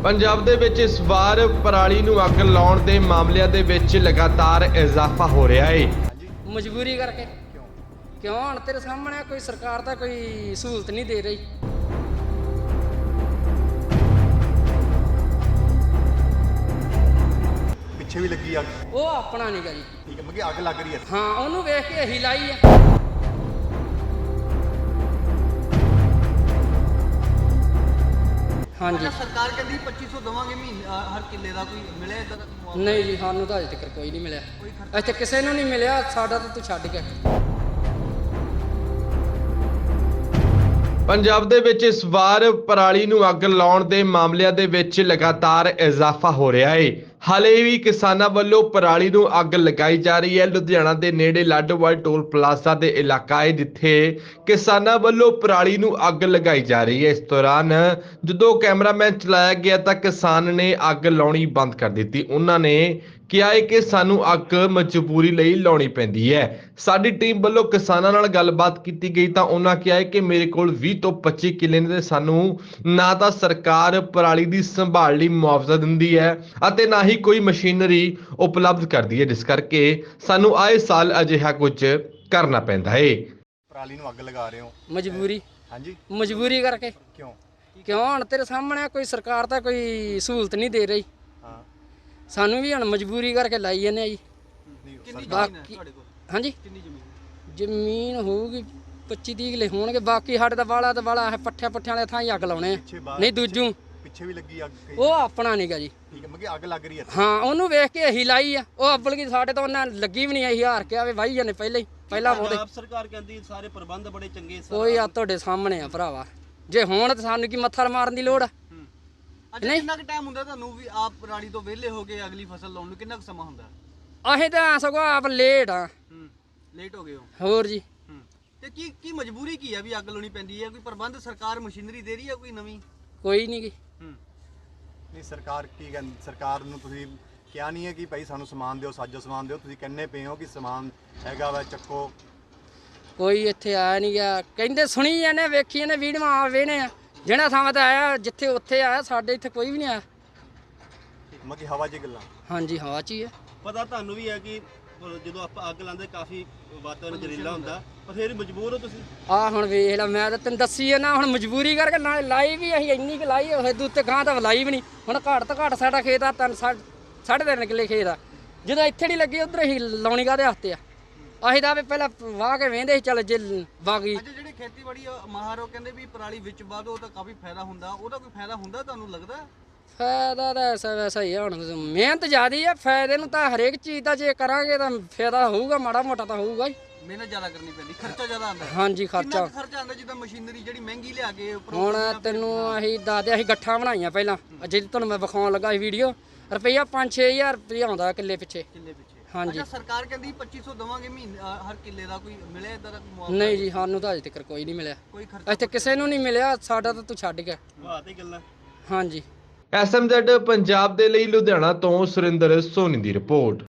ਪੰਜਾਬ ਦੇ ਵਿੱਚ ਇਸ ਵਾਰ ਪਰਾਲੀ ਨੂੰ ਅੱਗ ਲਾਉਣ ਦੇ ਮਾਮਲਿਆਂ ਦੇ ਵਿੱਚ ਲਗਾਤਾਰ ਇਜ਼ਾਫਾ ਹੋ ਰਿਹਾ ਹੈ। ਮਜਬੂਰੀ ਕਰਕੇ ਕਿਉਂ ਹੁਣ ਤੇਰੇ ਸਾਹਮਣੇ ਕੋਈ ਸਰਕਾਰ ਤਾਂ ਕੋਈ ਸਹੂਲਤ ਨਹੀਂ ਦੇ ਰਹੀ। ਪਿੱਛੇ ਵੀ ਲੱਗੀ ਅੱਗ। ਉਹ ਆਪਣਾ ਨਹੀਂ ਗਾ ਜੀ। ਠੀਕ ਹੈ, ਮਤਲਬ ਅੱਗ ਲੱਗ ਰਹੀ ਹੈ। ਹਾਂ, ਉਹਨੂੰ ਵੇਖ ਕੇ ਇਹੀ ਲਾਈ ਆ। ਹਾਂਜੀ, ਸਰਕਾਰ ਕਹਿੰਦੀ 2500 ਦਵਾਂਗੇ ਮਹੀਨਾ ਹਰ ਕਿੱਲੇ ਦਾ, ਕੋਈ ਮਿਲਿਆ ਇਦਾਂ ਦਾ ਮੁਆਵਜ਼ਾ? ਨਹੀਂ ਜੀ, ਸਾਨੂੰ ਤਾਂ ਅਜੇ ਤੱਕ ਕੋਈ ਨਹੀਂ ਮਿਲਿਆ। ਇੱਥੇ ਕਿਸੇ ਨੂੰ ਨਹੀਂ ਮਿਲਿਆ, ਸਾਡਾ ਤਾਂ ਤੂੰ ਛੱਡ ਕੇ। ਪੰਜਾਬ ਦੇ ਵਿੱਚ ਇਸ ਵਾਰ ਪਰਾਲੀ ਨੂੰ ਅੱਗ ਲਾਉਣ ਦੇ ਮਾਮਲਿਆਂ ਦੇ ਵਿੱਚ ਲਗਾਤਾਰ ਇਜ਼ਾਫਾ ਹੋ ਰਿਹਾ ਹੈ। ਹਾਲੇ ਵੀ ਕਿਸਾਨਾਂ ਵੱਲੋਂ ਪਰਾਲੀ ਨੂੰ ਅੱਗ ਲਗਾਈ ਜਾ ਰਹੀ ਹੈ। ਲੁਧਿਆਣਾ ਦੇ ਨੇੜੇ ਲਾਡੋਵਾਲ ਟੋਲ ਪਲਾਜ਼ਾ ਦੇ ਇਲਾਕਾ ਹੈ ਜਿੱਥੇ ਕਿਸਾਨਾਂ ਵੱਲੋਂ ਪਰਾਲੀ ਨੂੰ ਅੱਗ ਲਗਾਈ ਜਾ ਰਹੀ ਹੈ। ਇਸ ਦੌਰਾਨ ਜਦੋਂ ਕੈਮਰਾਮੈਨ ਚਲਾਇਆ ਗਿਆ ਤਾਂ ਕਿਸਾਨ ਨੇ ਅੱਗ ਲਾਉਣੀ ਬੰਦ ਕਰ ਦਿੱਤੀ। ਉਹਨਾਂ ਨੇ ਕਿਹਾ ਹੈ ਕਿ ਸਾਨੂੰ ਅੱਗ ਮਜਬੂਰੀ ਲਈ ਲਾਉਣੀ ਪੈਂਦੀ ਹੈ। ਸਾਡੀ ਟੀਮ ਵੱਲੋਂ ਕਿਸਾਨਾਂ ਨਾਲ ਗੱਲਬਾਤ ਕੀਤੀ ਗਈ ਤਾਂ ਉਹਨਾਂ ਕਿਹਾ ਹੈ ਕਿ ਮੇਰੇ ਕੋਲ 20 ਤੋਂ 25 ਕਿੱਲੇ ਨੇ ਤੇ ਸਾਨੂੰ ਨਾ ਤਾਂ ਸਰਕਾਰ ਪਰਾਲੀ ਦੀ ਸੰਭਾਲ ਲਈ ਮੁਆਵਜ਼ਾ ਦਿੰਦੀ ਹੈ ਅਤੇ ਨਾ ਹੀ ਕੋਈ ਮਸ਼ੀਨਰੀ ਉਪਲਬਧ ਕਰਦੀ ਹੈ, ਜਿਸ ਕਰਕੇ ਸਾਨੂੰ ਆਏ ਸਾਲ ਅਜਿਹਾ ਕੁਝ ਕਰਨਾ ਪੈਂਦਾ ਹੈ। ਪਰਾਲੀ ਨੂੰ ਅੱਗ ਲਗਾ ਰਹੇ ਹੋ? ਮਜਬੂਰੀ। ਹਾਂਜੀ, ਮਜਬੂਰੀ ਕਰਕੇ ਕਿਉਂ ਹੁਣ ਤੇਰੇ ਸਾਹਮਣੇ ਕੋਈ ਸਰਕਾਰ ਤਾਂ ਕੋਈ ਸਹੂਲਤ ਨਹੀਂ ਦੇ ਰਹੀ। ਹਾਂ, ਸਾਨੂੰ ਵੀ ਹੁਣ ਮਜਬੂਰੀ ਕਰਕੇ ਲਾਈ ਜਾਂਦੇ ਆ ਜੀ। ਕਿੰਨੀ ਜ਼ਮੀਨ ਹੈ ਬਾਕੀ ਤੁਹਾਡੇ ਕੋਲ? ਹਾਂਜੀ, ਕਿੰਨੀ ਜ਼ਮੀਨ? ਜ਼ਮੀਨ ਹੋਊਗੀ 25-30 ਕਿੱਲੇ ਹੋਣਗੇ। ਬਾਕੀ ਸਾਡੇ ਦਾ ਵਾਲਾ ਤੇ ਵਾਲਾ ਹੈ, ਪੱਠਿਆਂ ਵਾਲੇ ਥਾਂ ਹੀ ਅੱਗ ਲਾਉਣੇ ਆ। ਪਿੱਛੇ ਬਾਹਰ ਨਹੀਂ ਦੂਜੂ ਪਿੱਛੇ ਵੀ ਲੱਗੀ ਅੱਗ ਕਈ। ਉਹ ਆਪਣਾ ਨਹੀਂ ਗਾ ਜੀ। ਠੀਕ ਹੈ, ਮਤਲਬ ਅੱਗ ਲੱਗ ਰਹੀ ਹੈ। ਹਾਂ, ਉਹਨੂੰ ਵੇਖ ਕੇ ਇਹੀ ਲਾਈ ਆ। ਉਹ ਅੱਬਲ ਕੀ ਸਾਡੇ ਤੋਂ ਉਹਨਾਂ ਲੱਗੀ ਵੀ ਨਹੀਂ ਆਈ, ਹਾਰ ਕੇ ਆਵੇ ਵਾਹੀ ਜਾਂਦੇ ਪਹਿਲਾਂ ਉਹਦੇ। ਪੰਜਾਬ ਸਰਕਾਰ ਕਹਿੰਦੀ ਸਾਰੇ ਪ੍ਰਬੰਧ ਬੜੇ ਚੰਗੇ। ਕੋਈ ਆ ਤੁਹਾਡੇ ਸਾਹਮਣੇ ਆ ਭਰਾਵਾ, ਜੇ ਹੁਣ ਤਾਂ ਸਾਨੂੰ ਕੀ ਮੱਥਾ ਮਾਰਨ ਦੀ ਲੋੜ ਆ। ਅੱਛਾ, ਕਿੰਨਾ ਕੁ ਟਾਈਮ ਹੁੰਦਾ ਤੁਹਾਨੂੰ ਵੀ ਆਪ ਪਰਾਲੀ ਤੋਂ ਵਿਹਲੇ ਹੋ ਕੇ ਅਗਲੀ ਫਸਲ ਲਾਉਣ ਨੂੰ? ਕਿੰਨਾ ਕੁ ਸਮਾਂ ਹੁੰਦਾ? ਅਸੀਂ ਤਾਂ ਸਗੋਂ ਆਪ ਲੇਟ ਆ। ਲੇਟ ਹੋ ਗਏ ਹੋ? ਹੋਰ ਜੀ, ਤੇ ਕੀ ਮਜਬੂਰੀ ਕੀ ਆ ਵੀ ਅੱਗ ਲਾਉਣੀ ਪੈਂਦੀ ਹੈ? ਕੋਈ ਪ੍ਰਬੰਧ ਸਰਕਾਰ ਮਸ਼ੀਨਰੀ ਦੇ ਰਹੀ ਹੈ ਕੋਈ ਨਵੀਂ? ਕੋਈ ਨਹੀਂ ਗੀ। ਨਹੀਂ, ਸਰਕਾਰ ਕੀ ਕਹਿੰਦੀ? ਸਰਕਾਰ ਨੂੰ ਤੁਸੀਂ ਕਿਹਾ ਨਹੀਂ ਹੈ ਕਿ ਭਾਈ ਸਾਨੂੰ ਸਮਾਨ ਦਿਓ, ਸਾਜੋ ਸਮਾਨ ਦਿਓ? ਤੁਸੀਂ ਕਹਿੰਦੇ ਪਏ ਹੋ ਕਿ ਸਮਾਨ ਹੈਗਾ ਵਾ, ਚੱਕੋ। ਕੋਈ ਇੱਥੇ ਆਇਆ ਨਹੀਂ ਗਿਆ। ਕਹਿੰਦੇ ਸੁਣੀ ਜਾਂਦੇ, ਵੇਖੀ ਜਾਂਦੇ, ਵੀਡੀਓ ਆ ਵੇਣੇ ਆ। ਜਿਹੜਾ ਥਾਂ ਤੇ ਆਇਆ ਜਿੱਥੇ ਉੱਥੇ ਆਇਆ, ਸਾਡੇ ਇੱਥੇ ਕੋਈ ਵੀ ਨਹੀਂ ਆਇਆ। ਮਤਲਬ ਹਵਾ 'ਚ ਗੱਲਾਂ। ਹਾਂਜੀ, ਹਵਾ 'ਚ ਹੀ ਹੈ। ਪਤਾ ਤੁਹਾਨੂੰ ਵੀ ਹੈ ਕਿ ਜਦੋਂ ਆਪਾਂ ਅੱਗ ਲਾਉਂਦੇ ਕਾਫੀ ਵਾਤਾਵਰਨ ਜ਼ਹਿਰੀਲਾ ਹੁੰਦਾ, ਪਰ ਫਿਰ ਮਜਬੂਰ ਹੋ ਤੁਸੀਂ। ਆ ਹੁਣ ਵੇਖ ਲੈ, ਮੈਂ ਤਾਂ ਤੈਨੂੰ ਦੱਸੀ ਹੈ ਨਾ, ਹੁਣ ਮਜਬੂਰੀ ਕਰਕੇ ਨਾ ਲਾਈ ਵੀ ਅਸੀਂ ਇੰਨੀ ਕੁ ਲਾਈ ਹੋਏ, ਦੂਤੇ ਗਾਂ ਤਾਂ ਲਾਈ ਵੀ ਨਹੀਂ। ਹੁਣ ਘੱਟ ਤੋਂ ਘੱਟ ਸਾਡਾ ਖੇਤ ਆ 3.5 ਕਿੱਲੇ ਖੇਤ ਆ। ਜਦੋਂ ਇੱਥੇ ਨਹੀਂ ਲੱਗੀ ਉਧਰ ਹੀ ਲਾਉਣੀ ਕਾਹਦੇ ਹੱਥ ਆ? ਅਸੀਂ ਤਾਂ ਵੀ ਪਹਿਲਾਂ ਵਾਹ ਕੇ ਵੇਂਦੇ ਸੀ, ਚੱਲ ਜੇ ਬਾਗੀ। ਅੱਛਾ, ਜਿਹੜੇ ਖੇਤੀਬਾੜੀ ਮਾਹਰ ਉਹ ਕਹਿੰਦੇ ਵੀ ਪਰਾਲੀ ਵਿੱਚ ਵਾਧੋ ਤਾਂ ਕਾਫੀ ਫਾਇਦਾ ਹੁੰਦਾ, ਉਹਦਾ ਕੋਈ ਫਾਇਦਾ ਹੁੰਦਾ ਤੁਹਾਨੂੰ ਲੱਗਦਾ? ਫਾਇਦਾ ਤਾਂ ਐਸਾ ਵੈਸਾ ਹੀ ਆ। ਹੁਣ ਮਿਹਨਤ ਜ਼ਿਆਦੀ ਆ, ਫਾਇਦੇ ਨੂੰ ਤਾਂ ਹਰੇਕ ਚੀਜ਼ ਦਾ ਜੇ ਕਰਾਂਗੇ ਤਾਂ ਫਾਇਦਾ ਹੋਊਗਾ, ਮਾੜਾ ਮੋਟਾ ਤਾਂ ਹੋਊਗਾ ਹੀ। ਮਿਹਨਤ ਜ਼ਿਆਦਾ ਕਰਨੀ ਪੈਂਦੀ, ਖਰਚਾ ਜ਼ਿਆਦਾ ਆਉਂਦਾ? ਹਾਂਜੀ, ਕਿੰਨਾ ਕੁ ਖਰਚਾ ਆਉਂਦਾ? ਜਿੱਦਾਂ ਮਸ਼ੀਨਰੀ ਜਿਹੜੀ ਮਹਿੰਗੀ ਲਿਆ ਕੇ ਹੁਣ ਤੈਨੂੰ ਅਸੀਂ ਦੱਸਦੇ, ਅਸੀਂ ਗੱਠਾਂ ਬਣਾਈਆਂ ਪਹਿਲਾਂ, ਜਿਹੜੀ ਤੁਹਾਨੂੰ ਮੈਂ ਵਿਖਾਉਣ ਲੱਗਾ ਸੀ ਵੀਡੀਓ। ਰੁਪਈਆ 5-6 ਹਜ਼ਾਰ ਰੁਪਈਆ ਆਉਂਦਾ ਕਿੱਲੇ ਪਿੱਛੇ। ਹਾਂਜੀ। ਅੱਛਾ, ਸਰਕਾਰ ਕਹਿੰਦੀ 2500 ਦਵਾਂਗੇ ਮਹੀਨਾ ਹਰ ਕਿੱਲੇ ਦਾ, ਕੋਈ ਮਿਲਿਆ ਇਦਾਂ ਦਾ ਮੁਆਵਜ਼ਾ? ਨਹੀਂ ਜੀ, ਸਾਨੂੰ ਤਾਂ ਅਜੇ ਤੱਕ ਕੋਈ ਨਹੀਂ ਮਿਲਿਆ। ਕੋਈ ਖਰਚਾ ਇੱਥੇ ਕਿਸੇ ਨੂੰ ਨਹੀਂ ਮਿਲਿਆ, ਸਾਡਾ ਤਾਂ ਤੂੰ ਛੱਡ ਗਿਆ। ਵਾਹ ਤੇ ਗੱਲਾਂ। ਹਾਂਜੀ। SMZ ਪੰਜਾਬ ਦੇ ਲਈ ਲੁਧਿਆਣਾ ਤੋਂ ਸੁਰਿੰਦਰ ਸੋਨੀ ਦੀ ਰਿਪੋਰਟ।